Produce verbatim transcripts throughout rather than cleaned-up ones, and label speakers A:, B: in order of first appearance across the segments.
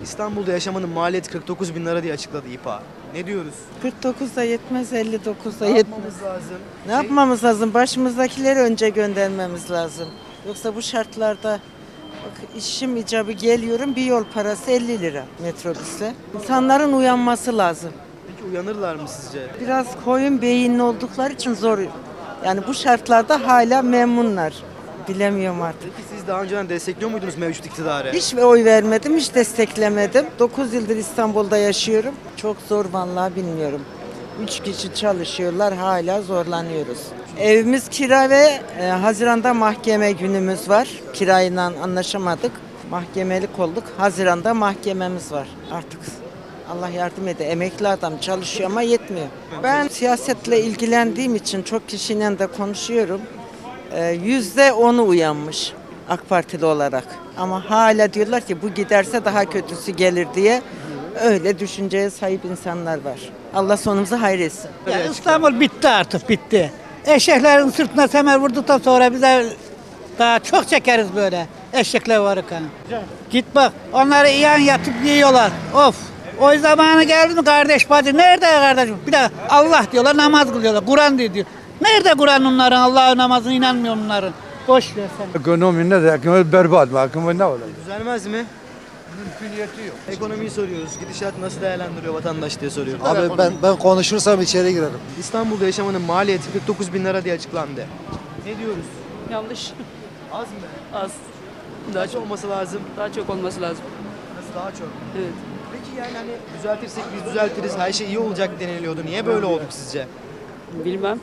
A: İstanbul'da yaşamanın maliyeti kırk dokuz bin lira diye açıkladı İPA. Ne diyoruz?
B: kırk dokuzda yetmez, elli dokuzda
A: Ne
B: yetmez.
A: yapmamız lazım?
B: Ne yapmamız lazım? Başımızdakileri önce göndermemiz lazım. Yoksa bu şartlarda bak, işim icabı geliyorum, bir yol parası elli lira metrobüste. İnsanların uyanması lazım.
A: Peki uyanırlar mı sizce?
B: Biraz koyun beyinli oldukları için zor. Yani bu şartlarda hala memnunlar. Bilemiyorum artık.
A: Peki siz daha önceden destekliyor muydunuz mevcut iktidarı?
B: Hiç oy vermedim, hiç desteklemedim. dokuz yıldır İstanbul'da yaşıyorum. Çok zor vallahi bilmiyorum. Üç kişi çalışıyorlar, hala zorlanıyoruz. Evimiz kira ve e, Haziran'da mahkeme günümüz var. Kirayla anlaşamadık. Mahkemelik olduk. Haziran'da mahkememiz var artık. Allah yardım ede. Emekli adam çalışıyor ama yetmiyor. Ben siyasetle ilgilendiğim için çok kişiyle de konuşuyorum. Ee, Yüzde onu uyanmış AK Partili olarak. Ama hala diyorlar ki bu giderse daha kötüsü gelir diye öyle düşünceye sahip insanlar var. Allah sonumuzu hayretsin.
C: Ya İstanbul bitti artık bitti. Eşeklerin sırtına semer vurduktan sonra bize daha çok çekeriz böyle eşekler varırken. Git bak onları yan yatıp yiyorlar. Of. O zamanı geldi mi kardeş bacı? Nerede kardeşim? Bir de Allah diyorlar, namaz kılıyorlar. Kur'an diyor. Nerede Kur'an onların? Allah'ın namazına inanmıyor onların. Boş ver sen.
D: Ekonomi ne de ekonomi berbat mı? Ekonomi ne olacak?
A: Düzelmez mi?
D: Mümküniyeti yok.
A: Ekonomiyi soruyoruz. Gidişat nasıl değerlendiriyor vatandaş diye soruyoruz.
E: Abi ben ben konuşursam içeri girerim.
A: İstanbul'da yaşamanın maliyeti kırk dokuz bin lira diye açıklandı. Ne diyoruz?
F: Yanlış.
A: Az mı?
F: Az. Daha
A: Kaç
F: çok,
A: olması lazım?
F: daha çok olması lazım.
A: Nasıl daha çok?
F: Evet.
A: Peki yani hani düzeltirsek biz düzeltiriz, her şey iyi olacak deniliyordu. Niye böyle olduk sizce?
F: Bilmem.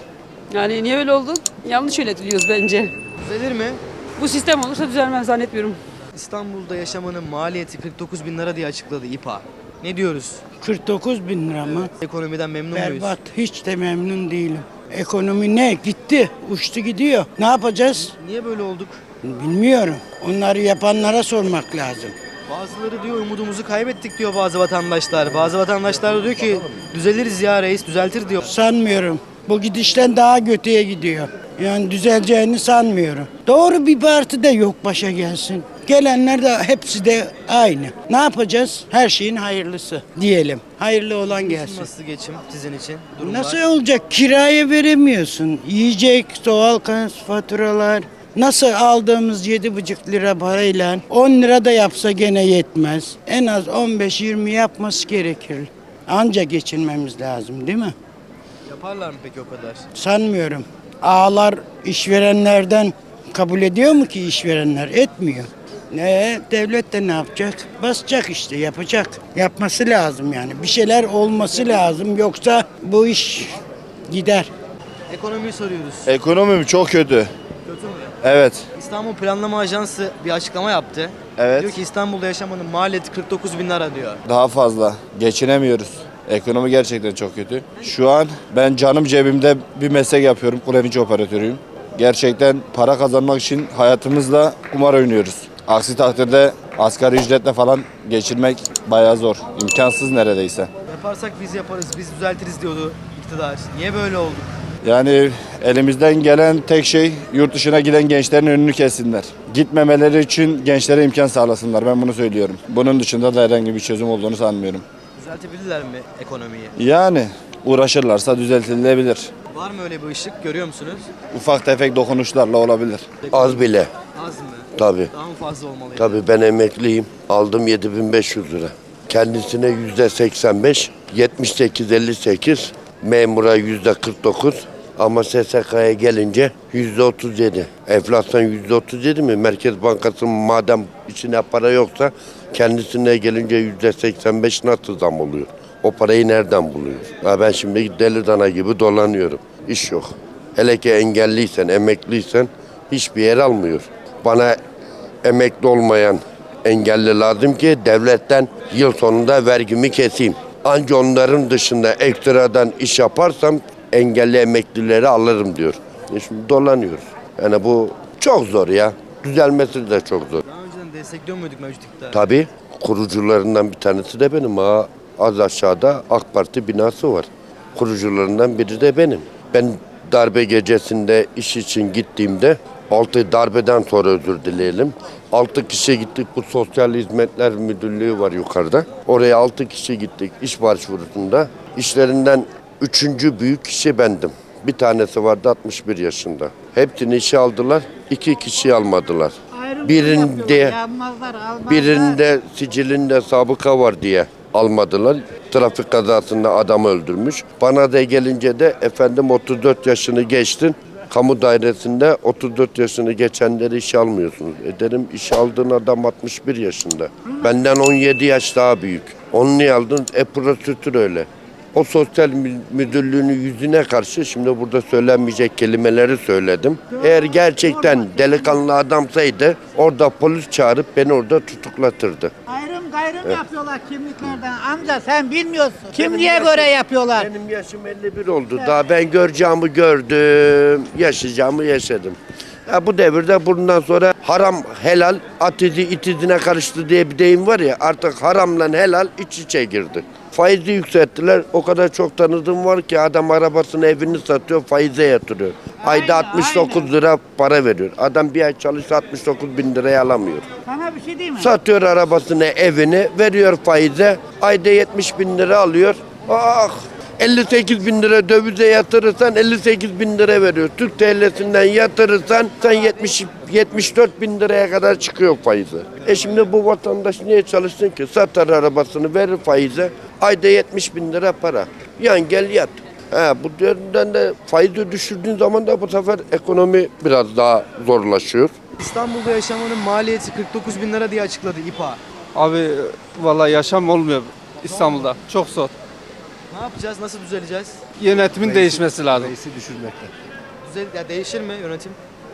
F: Yani niye öyle oldu? Yanlış yönetiliyoruz bence.
A: Düzelir mi?
F: Bu sistem olursa düzelmez zannetmiyorum.
A: İstanbul'da yaşamanın maliyeti kırk dokuz bin lira diye açıkladı İPA. Ne diyoruz?
G: kırk dokuz bin lira mı?
A: Ekonomiden memnun muyuz?
G: Berbat. Hiç de memnun değilim. Ekonomi ne? Gitti. Uçtu gidiyor. Ne yapacağız?
A: Niye böyle olduk?
G: Bilmiyorum. Onları yapanlara sormak lazım.
A: Bazıları diyor umudumuzu kaybettik diyor bazı vatandaşlar. Bazı vatandaşlar da diyor ki düzeliriz ya reis düzeltir diyor.
G: Sanmıyorum. Bu gidişten daha kötüye gidiyor. Yani düzeleceğini sanmıyorum. Doğru bir parti de yok başa gelsin. Gelenler de hepsi de aynı. Ne yapacağız? Her şeyin hayırlısı diyelim. Hayırlı olan gelsin.
A: Nasıl geçim sizin için? Durumlar?
G: Nasıl olacak? Kiraya veremiyorsun. Yiyecek, doğal gaz faturalar. Nasıl aldığımız yedi buçuk lira parayla on lira da yapsa gene yetmez. En az on beş yirmi yapması gerekir. Anca geçinmemiz lazım değil mi?
A: Yaparlar mı peki o kadar?
G: Sanmıyorum. Ağalar işverenlerden kabul ediyor mu ki işverenler? Etmiyor. Ne devlet de ne yapacak? Basacak işte yapacak. Yapması lazım yani. Bir şeyler olması lazım yoksa bu iş gider.
A: Ekonomiyi soruyoruz.
H: Ekonomim çok kötü.
A: Kötü mü?
H: Evet.
A: İstanbul Planlama Ajansı bir açıklama yaptı.
H: Evet.
A: Diyor ki İstanbul'da yaşamanın maliyeti kırk dokuz bin lira diyor.
H: Daha fazla. Geçinemiyoruz. Ekonomi gerçekten çok kötü. Şu an ben canım cebimde bir meslek yapıyorum. Kullanıcı operatörüyüm. Gerçekten para kazanmak için hayatımızla kumar oynuyoruz. Aksi takdirde asgari ücretle falan geçirmek bayağı zor. İmkansız neredeyse.
A: Yaparsak biz yaparız, biz düzeltiriz diyordu iktidar. Niye böyle oldu?
H: Yani elimizden gelen tek şey yurt dışına giden gençlerin önünü kessinler. Gitmemeleri için gençlere imkan sağlasınlar. Ben bunu söylüyorum. Bunun dışında da herhangi bir çözüm olduğunu sanmıyorum.
A: Düzeltebilirler mi ekonomiyi?
H: Yani uğraşırlarsa düzeltilebilir.
A: Var mı öyle bir ışık? Görüyor musunuz?
H: Ufak tefek dokunuşlarla olabilir.
I: Az bile.
A: Az mı?
I: Tabii.
A: Daha mı fazla olmalıydı?
I: Tabii ben emekliyim. Aldım yedi bin beş yüz lira. Kendisine yüzde seksen beş, yetmiş sekiz elli sekiz, memura yüzde kırk dokuz ama S S K'ya gelince yüzde otuz yedi. Enflasyon yüzde otuz yedi mi? Merkez Bankası madem içine para yoksa kendisine gelince yüzde seksen beş nasıl zam oluyor? O parayı nereden buluyor? Ha ben şimdi deli dana gibi dolanıyorum. İş yok. Hele ki engelliysen, emekliysen hiçbir yer almıyor. Bana emekli olmayan engelli lazım ki devletten yıl sonunda vergimi keseyim. Anca onların dışında ekstradan iş yaparsam engelli emeklileri alırım diyor. E şimdi dolanıyoruz. Yani bu çok zor ya. Düzelmesi de çok zor.
A: Daha önceden destekliyor muyduk mevcut iktidarı?
I: Tabii kurucularından bir tanesi de benim. Ha, az aşağıda AK Parti binası var. Kurucularından biri de benim. Ben darbe gecesinde iş için gittiğimde altı darbeden sonra özür dileyelim. altı kişi gittik, bu Sosyal Hizmetler Müdürlüğü var yukarıda. Oraya altı kişi gittik iş başvurusunda. İşlerinden üçüncü büyük kişi bendim. Bir tanesi vardı altmış bir yaşında. Hepsini işe aldılar, iki kişiyi almadılar. Birinde, birinde sicilinde sabıka var diye almadılar. Trafik kazasında adam öldürmüş. Bana da gelince de efendim otuz dört yaşını geçtin. Kamu dairesinde otuz dört yaşını geçenleri işe almıyorsunuz. E dedim işe aldığın adam altmış bir yaşında. Benden on yedi yaş daha büyük. Onu niye aldın? E prosedür öyle. O sosyal müdürlüğünün yüzüne karşı şimdi burada söylenmeyecek kelimeleri söyledim. Eğer gerçekten delikanlı adamsaydı orada polis çağırıp beni orada tutuklatırdı.
C: Ayrım gayrım yapıyorlar kimliklerden. Amca sen bilmiyorsun. Kimliğe göre yapıyorlar.
I: Benim yaşım elli bir oldu. Daha ben göreceğimi gördüm, yaşayacağımı yaşadım. Ya bu devirde bundan sonra haram helal at izi it izine karıştı diye bir deyim var ya, artık haramla helal iç içe girdi. Faizi yükselttiler. O kadar çok tanıdığım var ki adam arabasını evini satıyor, faize yatırıyor. Ayda altmış dokuz lira para veriyor. Adam bir ay çalışsa altmış dokuz bin liraya alamıyor.
C: Sana bir şey diyeyim mi?
I: Satıyor arabasını, evini, veriyor faize. Ayda yetmiş bin lira alıyor. Ah! elli sekiz bin lira dövize yatırırsan elli sekiz bin lira veriyor. Türk T L'sinden yatırırsan sen yetmiş, yetmiş dört bin liraya kadar çıkıyor faizi. E şimdi bu vatandaş niye çalışsın ki? Satar arabasını, verir faize. Ayda yetmiş bin lira para. Yan gel yat. Ha, bu yönden de faizi düşürdüğün zaman da bu sefer ekonomi biraz daha zorlaşıyor.
A: İstanbul'da yaşamanın maliyeti kırk dokuz bin lira diye açıkladı İPA.
J: Abi vallahi yaşam olmuyor İstanbul'da. Çok zor.
A: Ne yapacağız? Nasıl düzeleceğiz?
J: Yönetimin değişmesi lazım.
E: Reisi düşürmekte.
A: Düzel ya değişir mi yönetim?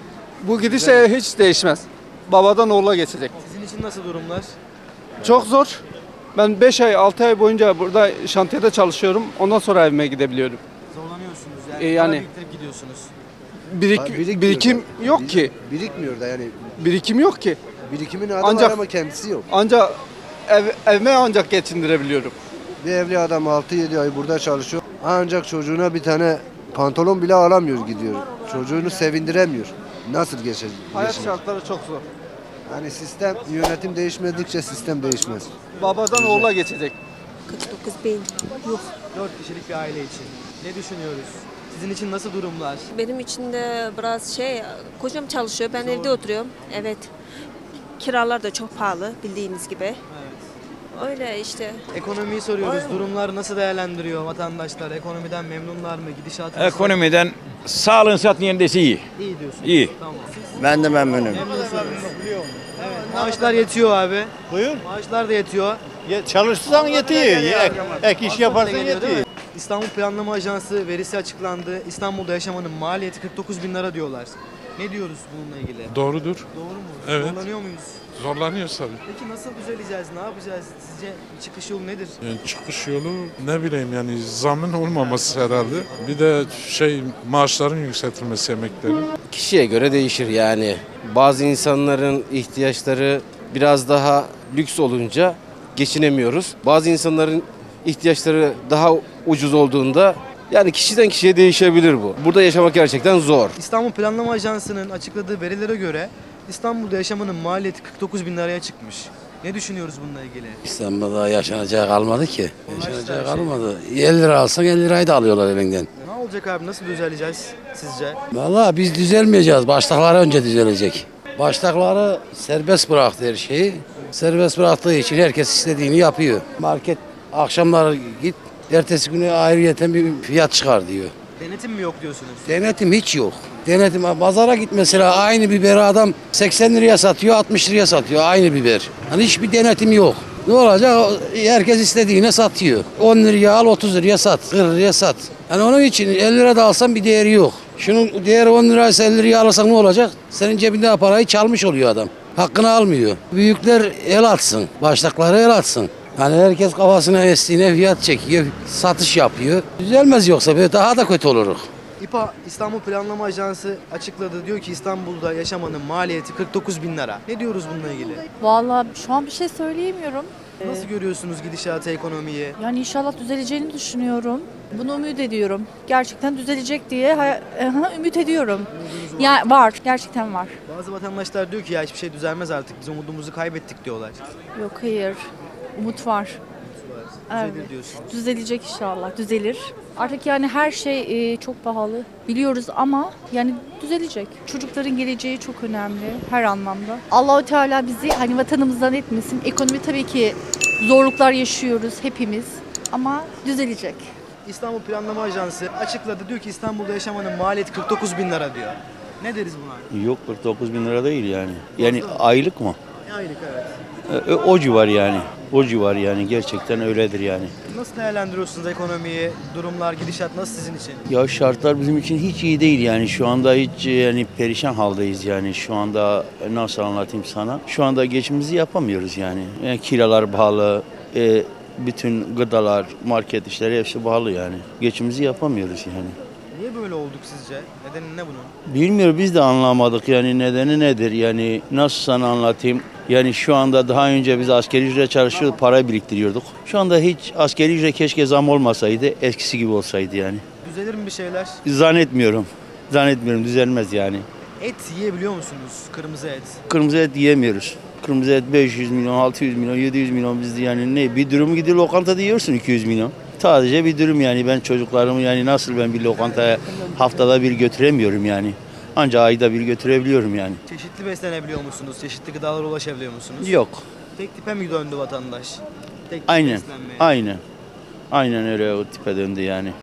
J: Bu gidişle hiç değişmez. Babadan oğula geçecek.
A: Sizin için nasıl durumlar?
J: Çok zor. Ben beş ay altı ay boyunca burada şantiyede çalışıyorum. Ondan sonra evime gidebiliyorum.
A: Zorlanıyorsunuz yani.
J: E, yani-
A: Para biriktirip gidiyorsunuz.
J: Birik,
E: Ha, birikmiyor
J: birikim
E: da.
J: yok
E: Bir-
J: ki.
E: Birikmiyor da yani.
J: Birikim yok ki.
E: Birikimin adam
J: Ancak-
E: var ama kendisi yok.
J: Ancak ev, evime ancak geçindirebiliyorum.
E: Bir evli adam altı yedi ay burada çalışıyor. Ancak çocuğuna bir tane pantolon bile alamıyor gidiyor. Çocuğunu sevindiremiyor. Nasıl geçecek?
J: Hayat şartları çok zor.
E: Yani sistem, yönetim değişmedikçe sistem değişmez.
J: Babadan oğula geçecek.
K: kırk dokuz bin. Yok.
A: dört kişilik bir aile için. Ne düşünüyoruz? Sizin için nasıl durumlar?
K: Benim için de biraz şey, kocam çalışıyor, ben evde oturuyorum. Evet. Kiralar da çok pahalı bildiğiniz gibi. Öyle işte.
A: Ekonomiyi soruyoruz. Durumlar nasıl değerlendiriyor vatandaşlar? Ekonomiden memnunlar mı? Gidişatı nasıl?
L: Ekonomiden sağlığın satın yerindeyse iyi.
A: İyi diyorsunuz.
L: İyi.
A: Tamam. Siz
L: Ben de memnunum.
A: memnunsunuz. Evet. Maaşlar yetiyor abi.
L: Buyur.
A: Maaşlar da yetiyor.
L: Çalışırsan yetiyor. Ek, ek iş yaparsan
A: Geliyor, değil
L: yetiyor.
A: mi? İstanbul Planlama Ajansı verisi açıklandı. İstanbul'da yaşamanın maliyeti kırk dokuz bin lira diyorlar. Ne diyoruz bununla ilgili?
M: Doğrudur.
A: Doğru mu?
M: Evet.
A: Zorlanıyor muyuz?
M: Zorlanıyoruz tabii.
A: Peki nasıl düzeleceğiz? Ne yapacağız? Sizce çıkış yolu nedir?
M: Yani çıkış yolu ne bileyim yani zamın olmaması herhalde. Bir de şey maaşların yükseltilmesi emeklerin.
N: Kişiye göre değişir yani. Bazı insanların ihtiyaçları biraz daha lüks olunca geçinemiyoruz. Bazı insanların ihtiyaçları daha ucuz olduğunda yani kişiden kişiye değişebilir bu. Burada yaşamak gerçekten zor.
A: İstanbul Planlama Ajansı'nın açıkladığı verilere göre İstanbul'da yaşamanın maliyeti kırk dokuz bin liraya çıkmış. Ne düşünüyoruz bununla ilgili?
N: İstanbul'da yaşanacağı kalmadı ki. Yaşanacağı kalmadı. elli lira alsan elli lirayı da alıyorlar elinden.
A: Ne olacak abi? Nasıl düzeleceğiz sizce?
N: Vallahi biz düzelmeyeceğiz. Baştakları önce düzelecek. Baştakları serbest bıraktı her şeyi. Serbest bıraktığı için herkes istediğini yapıyor. Market akşamları git, ertesi günü ayrıyeten bir fiyat çıkar diyor.
A: Denetim mi yok diyorsunuz?
N: Denetim hiç yok. Denetim pazara git mesela aynı biberi adam seksen liraya satıyor, altmış liraya satıyor aynı biber. Hani hiçbir denetim yok. Ne olacak? Herkes istediğine satıyor. on liraya al, otuz liraya sat, kırk liraya sat. Yani onun için elli lira da alsan bir değeri yok. Şunun değeri on liraysa elli liraya alırsan ne olacak? Senin cebinde parayı çalmış oluyor adam. Hakkını almıyor. Büyükler el atsın, baştakları el atsın. Yani herkes kafasına estiğine fiyat çekiyor, satış yapıyor. Düzelmez yoksa böyle daha da kötü oluruz.
A: İPA İstanbul Planlama Ajansı açıkladı. Diyor ki İstanbul'da yaşamanın maliyeti kırk dokuz bin lira. Ne diyoruz bununla ilgili?
K: Vallahi şu an bir şey söyleyemiyorum.
A: Nasıl görüyorsunuz gidişatı, ekonomiyi?
O: Yani inşallah düzeleceğini düşünüyorum. Bunu ümit ediyorum. Gerçekten düzelecek diye hay- aha, ümit ediyorum. Ya var, gerçekten var.
A: Bazı vatandaşlar diyor ki ya hiçbir şey düzelmez artık, biz umudumuzu kaybettik diyorlar.
O: Yok hayır, umut var.
A: Düzelir
O: Evet.
A: diyorsunuz.
O: Düzelecek inşallah, düzelir. Artık yani her şey e, çok pahalı biliyoruz ama yani düzelecek. Çocukların geleceği çok önemli her anlamda. Allahu Teala bizi hani vatanımızdan etmesin. Ekonomi tabii ki zorluklar yaşıyoruz hepimiz ama düzelecek.
A: İstanbul Planlama Ajansı açıkladı, diyor ki İstanbul'da yaşamanın maliyeti kırk dokuz bin lira diyor. Ne deriz buna?
L: Yok kırk dokuz bin lira değil yani. Yani aylık mı?
A: Aylık evet.
L: E, O civar yani. O civar yani gerçekten öyledir yani.
A: Nasıl değerlendiriyorsunuz ekonomiyi, durumlar, gidişat nasıl sizin için?
L: Ya şartlar bizim için hiç iyi değil yani şu anda hiç yani perişan haldeyiz yani şu anda nasıl anlatayım sana? Şu anda geçimimizi yapamıyoruz yani. Yani kiralar pahalı, e, bütün gıdalar, market işleri hepsi pahalı yani. Geçimimizi yapamıyoruz yani.
A: Niye böyle olduk sizce? Nedeni ne bunun?
L: Bilmiyorum biz de anlamadık yani nedeni nedir yani nasıl sana anlatayım. Yani şu anda daha önce biz asgari ücret çalışıyorduk, para biriktiriyorduk. Şu anda hiç asgari ücret keşke zam olmasaydı, eskisi gibi olsaydı yani.
A: Düzelir mi bir şeyler?
L: Zannetmiyorum. Zannetmiyorum düzelmez yani.
A: Et yiyebiliyor musunuz? Kırmızı et.
L: Kırmızı et yiyemiyoruz. Kırmızı et beş yüz milyon, altı yüz milyon, yedi yüz milyon bizde yani ne? Bir dürüm gidiyor lokantada yiyorsun iki yüz milyon. Sadece bir dürüm yani ben çocuklarımı yani nasıl ben bir lokantaya haftada bir götüremiyorum yani. Ancak ayda bir götürebiliyorum yani.
A: Çeşitli beslenebiliyor musunuz? Çeşitli gıdalara ulaşabiliyor musunuz?
L: Yok.
A: Tek tipe mi döndü vatandaş? Tek tip
L: Aynen.
A: beslenmeye.
L: Aynen. Aynen öyle o tipe döndü yani.